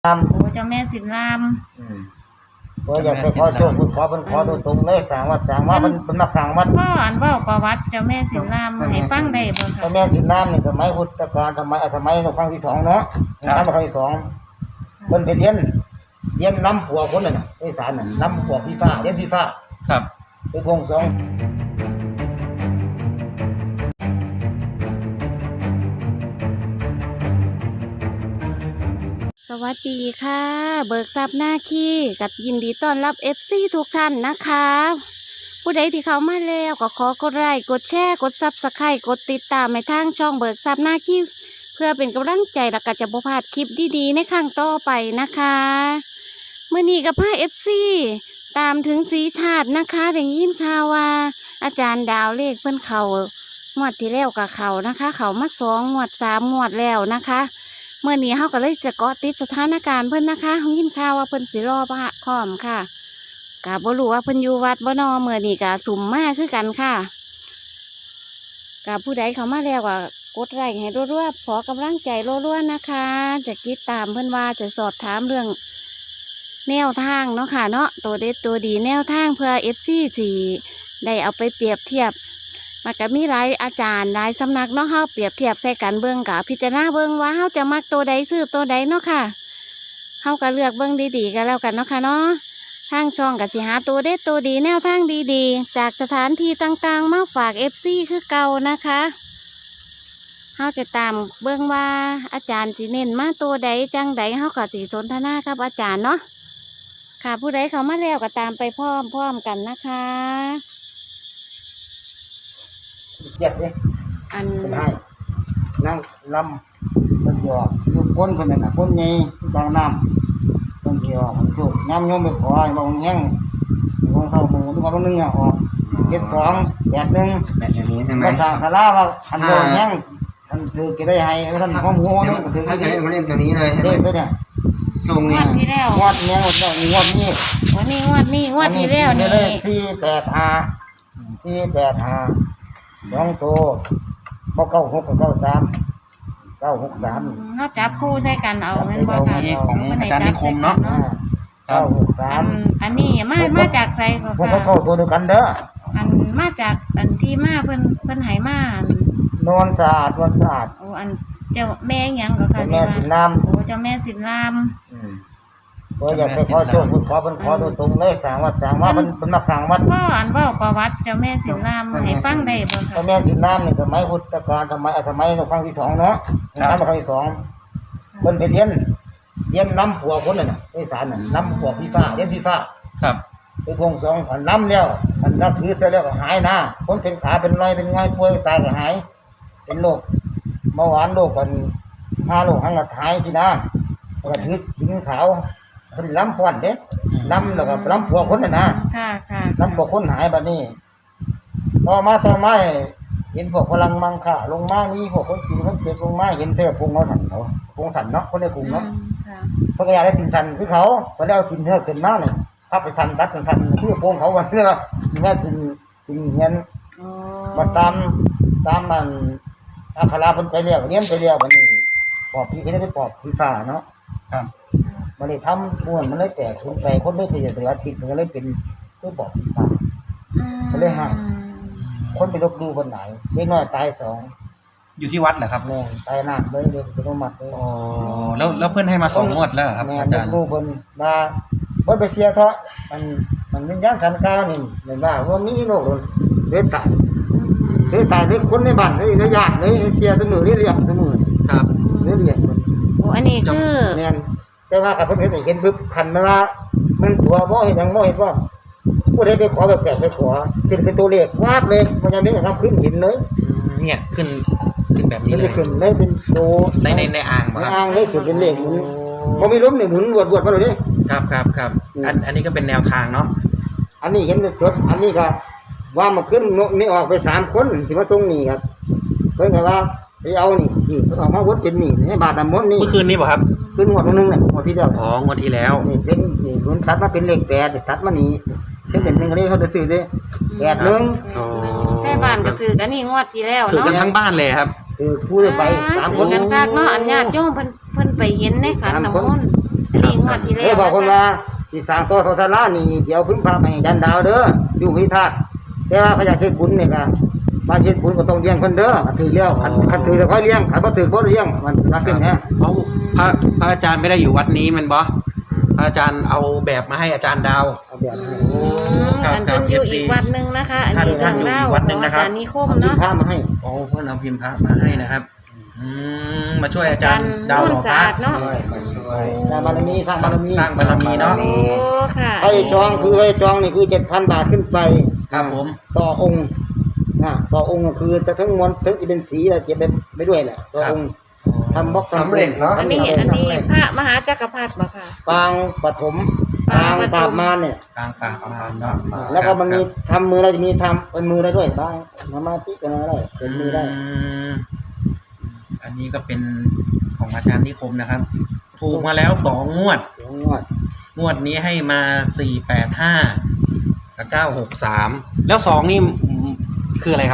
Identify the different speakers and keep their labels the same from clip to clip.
Speaker 1: โอ้เจ้าแม่สินราม
Speaker 2: ก็อยากไปขอโชคคุณขอเป็นขอโดยตรงเลยสร้างวัดสร้างว่าเป็นนักสร้างวัด
Speaker 1: พ่ออันเว้าประวัติเจ้าแม่สินรามให้ฟังได้บ่คะ
Speaker 2: เจ้าแม่สินรามนี่สมัยพุทธกาลสมัยครั้งที่2เนาะครั้งที่2เพิ่นไปเรียนน้ำผัวคนน่ะไอ้สารน่ะน้ำผัวพี่ฟ้าเรียนพี่ฟ้า
Speaker 3: ครับ
Speaker 2: ไปพงสอง
Speaker 1: สวัสดีค่ะเบิกทรัพย์หน้าขี้กับยินดีต้อนรับ FC ทุกท่านนะคะผู้ใดที่เข้ามาแล้วก็ขอกดไลค์กดแชร์กด Subscribe กดติดตามให้ทางช่องเบิกทรัพย์หน้าขี้เพื่อเป็นกำลังใจและก็จะบ่พลาดคลิปดีๆในครั้งต่อไปนะคะเมื่อนี้กับพา FC ตามถึงสีถาดนะคะได้ยินข่าวว่าอาจารย์ดาวเลขเพิ่นเขางวดที่แล้วกับเขานะคะเขามา2 งวด 3 งวดแล้วนะคะเมื่อนี้เขาก็เลยจะเกาะติดสถานการณ์เพิ่นนะคะเขายินข่าวว่าเพิ่นสิรอพระพร้อมค่ะกะบ่รู้ว่าเพิ่นอยู่วัดบ่นอเมื่อนี้กะสุ่มมากคือกันค่ะกะผู้ใดเข้ามาแล้วก็กดไลค์ให้รัวๆขอกำลังใจรัวๆนะคะจะติดตามเพิ่นว่าจะสอบถามเรื่องแนวทางเนาะค่ะเนาะตัวเด็ดตัวดีแนวทางเพื่อ FC สิได้เอาไปเปรียบเทียบมันก็มีหลายอาจารย์หลายสำนักเนาะเฮาเปรียบเทียบใส่กันเบิ่งกับพิจารณาเบิ่งว่าเฮาจะมักตัวใดซื้อตัวใดเนาะค่ะเฮาก็เลือกเบิ่งดีๆกันแล้วกันเนาะค่ะเนาะทางช่องก็สิหาตัวเด็ดตัวดีแนวทางดีๆจากสถานที่ต่างๆมาฝาก FC คือเก่านะคะเฮาจะตามเบิ่งว่าอาจารย์สิเน้นมาตัวใดจังใดเฮาก็สิสนทนากับอาจารย์เนาะค่ะผู้ใดเข้ามาแล้วก็ตามไปพร้อมๆกันนะคะ
Speaker 2: เจ็ดเลย
Speaker 1: อัน
Speaker 2: ให้นั่งลำมันหยอกอยู่ก้นคนนั้นน่ะก้นใหญ่กลางน้ำต้นเดียวมันสุกน้ำโยมไปขอให้บางแห้งบางเศร้าหมูทุกวันนึงอ่ะออก72 81
Speaker 3: แบบนี้ใช่ไหม
Speaker 2: ภาษาคาราว่าคันโดนแห้งท่านถือกี่ได้ให้ท่านข้อมูลนึงก็ถือกี่ได้
Speaker 3: มาเล่นตัวนี้เลย
Speaker 2: เด็กตัวเนี้ย
Speaker 3: ช่วง
Speaker 1: ง
Speaker 3: นี้
Speaker 1: วดที่แล้ว
Speaker 2: งวดเนี้ยงวดนี้
Speaker 1: วันนี้งวดที่แล้วนี่
Speaker 2: 485 2ตัว96กับ93 963
Speaker 1: เขาจับคู่ใส่กันเอาเงินบ่ค่ะ
Speaker 3: นี้ของอาจารย์นิคมเนาะ
Speaker 2: 963
Speaker 1: อันนี้มาจากไสก็
Speaker 2: พวก
Speaker 1: ค่ะ
Speaker 2: เขาตัวเดียวกันเด้อ
Speaker 1: อันมาจากอันที่มาเพิ่นให้มาน
Speaker 2: วลสะอาด
Speaker 1: โอ้อันเจ้าแม่หยังก็ค่ะ
Speaker 2: แม่สินราม
Speaker 1: โอ้เจ้าแม่สินราม
Speaker 2: ก็อยากไปขอโชคคุณขอเป็นขอโดยตรงเลยสร้างวัดสร้างว่าเป็นนักสร้างวัด
Speaker 1: พ่ออันเว้าประวัติเจ้าแม่สินรามให้ฟังได้บ่ค่ะ
Speaker 2: เจ้าแม่สินรามนี่สมัยพุทธกาลสมัยครั้งที่2เนาะครั้งที่2เพิ่นไปเรียนน้ำผัวคนน่ะไอ้สารน่ะน้ำผัวพี่ฟ้าเรียนพี่ฟ้า
Speaker 3: ครับ
Speaker 2: ไปพงสองขันน้ำแล้วขันนับถือเสร็จแล้วก็หายนะคนเป็นขาเป็นรอยเป็นง่ายป่วยตายก็หายเป็นโรคเบาหวานโรคกัน5 โรคหังก็หายสินะก็ถือสินขาวเป็นล้ำฟ้อนเด้ล้ำแล้วก็ล้ำผัวคนน่ะนะ
Speaker 1: ค่ะ
Speaker 2: ล้ำผัวคนหายบัดนี้ต่อมาเห็นพวกพลังมังค่าลงมานี่พวกคนจีนคนเจ็บลงมาเห็นเทพพงเขาสั่นเขาพงสั่นเนาะคนในกลุ่มเนาะเพิ่นก็อยากได้สินสั่นคือเขาเพิ่นเอาสินเทพขึ้นมานี่ถ้าไปสั่นตัดสั่นคือพงเขาวันนี้ว่าแม่สินเงินมาตามมันอัคราเพิ่นไปเรียกเรียนไปเรียกบัดนี้ปอบพี่ก็ได้ไปปอบพี่ฟ้าเนาะ
Speaker 3: ครับ
Speaker 2: มันเลยทำม้วนมันเลยแตกขึ้นไปคนได้ไปเสียติดมันก็เลยเป็นตัวปอบพี่ฟ้ามันเลยห่างคนไปลบดูคนไหนเล็กน้อยตาย2
Speaker 3: อยู่ที่วัดเหรอครับ
Speaker 2: แม่ตายหนักเลยเดี๋ยวจะต้องมัดเลย
Speaker 3: อ๋อแล้วเพื่อนให้มา2 งวดแล้วครับอาจารย์
Speaker 2: ลูกคนมาเพิ่นไปเสียเถาะมันวิญญาณสันกานี่เหมือนว่ามีโรคเลยตายเลยคนในบ้านเลยญาติเลยเสียเสมอเรียกเสมอ
Speaker 3: ครับ
Speaker 2: เรียก
Speaker 1: โอ้อันนี้คือ
Speaker 2: แม่นแต่ว่ากับเพิ่นเห็นปึ๊บคันมาว่ามันตัวบ่เห็นหยังบ่เห็นว่าผู้ใดไปขอแบบแปลกไปขอเป็นตัวเลขวาดเลยมันยังไม่ทำขึ้นหินเลย
Speaker 3: เนี่ยขึ้นแบบนี้
Speaker 2: เลยขึ้นเลยเป็นโต
Speaker 3: ในอ่าง
Speaker 2: อ่างเลยขึ้นเป็นเลขหมุนบ่มีล้มนี่หมุนวดมาเลย
Speaker 3: ครับอันนี้ก็เป็นแนวทางเนาะ
Speaker 2: อันนี้เห็นสดอันนี้ก็ว่ามาขึ้นนี่ออกไป3 คนสิมาส่งนี่ครับเพิ่นก็ว่าไปเอานี่ออกมาวัดเป็นนี่ให้บาทน้ำมนต์นี่
Speaker 3: เมื่อคืนนี้ป่ะครับ
Speaker 2: คืนงวดนึงน่ะงวดที่แล้ว
Speaker 3: อ๋องวดที่แล้ว
Speaker 2: นี่เป็นนี่คุณตัดมาเป็นเลข8ตัดมานี่เป็น1เลขเขาจะซื้อเด้81
Speaker 3: อ๋อ
Speaker 1: แต่บ้านก็ถือกันนี่งวดที่แล้ว
Speaker 3: เนาะถือกันทั้งบ้านเลยครับ
Speaker 2: คือผู้ไป3 คน
Speaker 1: กันคักเนาะอันญาติโยมเพิ่นไปเห็นในขันน้ำมนต์วดที่แล้ว
Speaker 2: บอกคนว่าสิสร้างตัวโซซาล่านี่เดี๋ยวพึ่งพาไปยันดาวเด้ออยู่ที่ธาตุแต่ว่าพระยาเทศบุญเนี่ยก็มาเฮ็ดบุญก็ต้องเลี้ยงเพิ่นเด้อถือแล้วคันถือแล้วค่อยเลี้ยงคันบ่ถือบ่เลี้ยงมันลักษณะนี้
Speaker 3: เขาพระอาจารย์ไม่ได้อยู่วัดนี้มันบอพระอาจารย์เอาแบบมาให้อาจารย์ดาว
Speaker 2: เอาแบบนี้
Speaker 3: ครับ
Speaker 1: อันเป็นอยู่อีกวัดหนึ่งนะคะ อันนี้
Speaker 3: ท่า
Speaker 1: ทาน ง
Speaker 3: อยู่
Speaker 1: เล่า
Speaker 3: อีกวัดหนึ่ง
Speaker 1: ของ
Speaker 3: นะ
Speaker 1: อา
Speaker 3: ครับ
Speaker 1: จารย์นิคม
Speaker 2: เอา
Speaker 1: เนาะ
Speaker 2: ผ้ามาให้
Speaker 3: โอ้เพื่อนเอาพิมพ์พระมาให้นะครับมาช่วยอาจารย์ดาว
Speaker 1: นุ่
Speaker 3: ห
Speaker 1: น
Speaker 3: ล่อพ
Speaker 1: สะ
Speaker 3: ระ
Speaker 1: อาดเนาะ
Speaker 2: สร้างบารมีสร้างบารมี
Speaker 3: สร้างบารมีเนาะ
Speaker 1: โอ้ค่ะ
Speaker 2: ให้จองคือให้จองนี่คือ 7,000 บาทขึ้นไป
Speaker 3: ครับผม
Speaker 2: ต่อองค์ต่อองค์ก็คือจะทั้งมวลทั้งที่เป็นสีอะไรเก็บไปด้วยแหละต่อองค์ทำบล็อก
Speaker 4: สำเร็จเนาะ
Speaker 1: อันนี้พระมหาจักรพรรดิบ่ค่ะ
Speaker 2: ปางปฐมปางตามมาเนี่ย
Speaker 3: กลางปากประมาณเนาะ
Speaker 2: แล้วก็มันมีทำมือเราจะมีทำเป็นมือได้ด้วยบ้างสมาธิเป็นอะไรเป็นมือได้
Speaker 3: อันนี้ก็เป็นของอาจารย์นิคมนะครับ ถูกมาแล้ว2 งวด
Speaker 2: เดี๋ยวงวด
Speaker 3: งวดนี้ให้มา485กับ963แล้ว2นี่คืออะไรครับ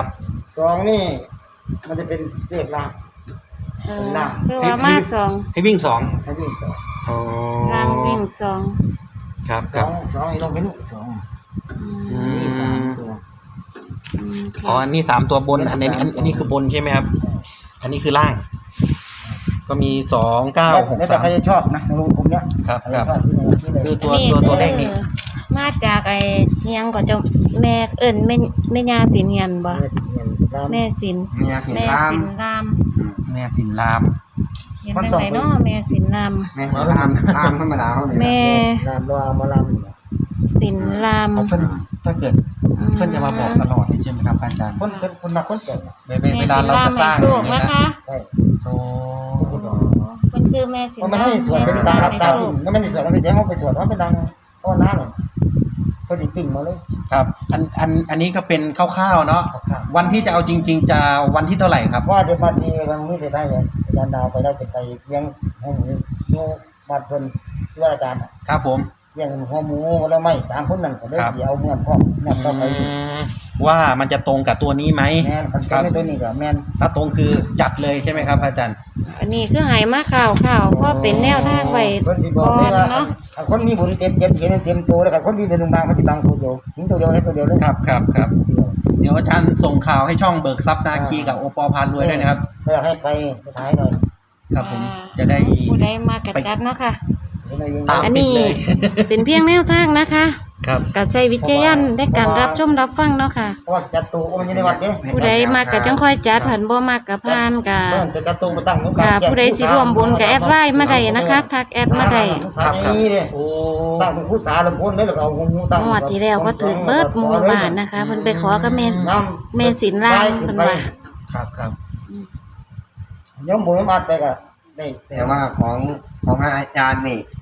Speaker 2: 2นี่มันจะเป็นเลขล่าง
Speaker 1: เออคือว่ามาสอง
Speaker 3: ให้วิ่ง2
Speaker 2: ให้วิ่งสอง
Speaker 3: อ๋อ
Speaker 1: รางวิ่งสอง
Speaker 3: ครับ
Speaker 2: ส
Speaker 3: ครั
Speaker 2: อบ งสองอีกลงเป็นสอง
Speaker 1: อืม
Speaker 2: นี่สามตัว
Speaker 3: อ๋ออันนี้3 ตัวบนอันนี้คือบนใช่ไหมครับ อันนี้คือล่าง ก็มี2 9 6
Speaker 2: แล้วแต่ใครจะชอบนะในวงกลมเนี้ย
Speaker 3: ครับ
Speaker 2: ใคร
Speaker 3: ค
Speaker 2: จะ
Speaker 3: รับ
Speaker 2: ชอบที่ไหนที่เลย
Speaker 3: คือตัว
Speaker 1: อันนี้
Speaker 3: ตัวเลขนี้
Speaker 1: มาจากไอ้เฮียงก็จะแม่เอิ้นแม่ย่าสินเฮียนบ่แม่สิน
Speaker 4: เมียเห็น
Speaker 1: แม่
Speaker 4: ตาม
Speaker 1: สินราม
Speaker 3: แม่สินราม
Speaker 1: เห็นจังไดเนาะแม่สินราม
Speaker 4: แม่เห็นตามตามธรรมดาเขาเนี่ย
Speaker 1: แม่
Speaker 2: รามรอมาลามเนี่ย
Speaker 1: สินราม
Speaker 3: เพื่อนถ้าเกิดเพื่อนจะมาบอกตลอดใช่ไหมครับอาจารย์
Speaker 2: คนเป็นคนนักคนแก่น่ะ
Speaker 3: เวลาเราจะสร้าง
Speaker 1: แม่สินรามให้โชค
Speaker 3: อย่าง
Speaker 1: นะ
Speaker 3: เงี้ย
Speaker 1: คะ
Speaker 2: ใช่
Speaker 3: โอ้
Speaker 1: คนชื่อแม่สิน
Speaker 2: มันไม่
Speaker 1: ราม
Speaker 2: ให้สวดเป็นตารับตาดิ่งแล้วมันให้สวดแล้วไปแจ้งว่าไปสวดว่าเป็นดังเพราะว่าน้าเนี่ยเขาดิปิ่งมาเลย
Speaker 3: ครับอันนี้ก็เป็นคร่าวๆเนาะ
Speaker 2: ครับ
Speaker 3: วันที่จะเอาจริง ๆ จะวันที่เท่าไหร่ครับ
Speaker 2: ว่าเดี๋ยวบัดนี้วันนี้จะได้เลยอาจารย์ดาวไปได้จะไปเลี้ยงให้หมูบัดเพิ่นที่ว่าอาจารย์
Speaker 3: ครับผม
Speaker 2: เลี้ยงหัวหมูแล้วไม่สามคนนั่นก็ได้
Speaker 3: ครับ
Speaker 2: เดี๋ยวเอาเงินพ่อเงินเข้าไป
Speaker 3: ว่ามันจะตรงกับตัวนี้ไหม
Speaker 2: แม่นคันเป็นตัวนี้ก็แม่น
Speaker 3: ถ้าตรงคือจัดเลยใช่ไหมครับอาจารย์
Speaker 1: อันนี้คือใหายมาข่าวก็เป็นแนวทางไว้
Speaker 2: เพิ่นสิบอ
Speaker 1: ก่
Speaker 2: ก
Speaker 1: อ
Speaker 2: เลย
Speaker 1: น
Speaker 2: ว่า
Speaker 1: เนาะ
Speaker 2: ถ้าคนมีบุญเต็มเต็มตัวแล้วก็คนมีเป็นบางมันสิบางตัวเดียวถึงตัวเดียวให้ตัวเดียวเลย
Speaker 3: ครับเดี๋ยวอาจารย์ส่งข่าวให้ช่องเบิกทรัพย์นาคีกับโอปอพานรวยด้วยนะครับ
Speaker 2: ก็อยากให้ไปถ่ายหน่อย
Speaker 3: ครับผมจะได้
Speaker 1: ผู้ใดมากระจัดเนาะค่ะ
Speaker 3: ตาม
Speaker 1: อัน
Speaker 3: ติด
Speaker 1: นี้
Speaker 3: เลย
Speaker 1: เป็นเพียงแนวทางนะคะ
Speaker 3: ครับ
Speaker 1: กับใช้วิจารณญาณในการรับชมรับฟังเนาะค่ะ
Speaker 2: เพราะว่าจัดตู้มันอยู่ในวัดเด้
Speaker 1: ผู้ใดมากกับจังค่อยจัดผันบ่มากกับพานกับ
Speaker 2: เพิ่นจะจัดตู้มาตั้งของ
Speaker 1: กับผู้ใดสิร่วมบุญกับแอดไลน์มาได้นะคะทักแอดมาได้
Speaker 2: ครับนี่เด้
Speaker 3: โอ้
Speaker 2: ตั้งเป็นผู้สาลำพ้นเลยแล้วก็เอาหูตั้ง
Speaker 1: งวดที่แล้วก็ถือเบิดหมู่บ้านนะคะเพิ่นไปขอกับแม่สินรามเพิ่นว่า
Speaker 3: ครับ
Speaker 2: ยมบุญมาแต่ก็ได้
Speaker 4: แต่ว่าของอาจารย์นี่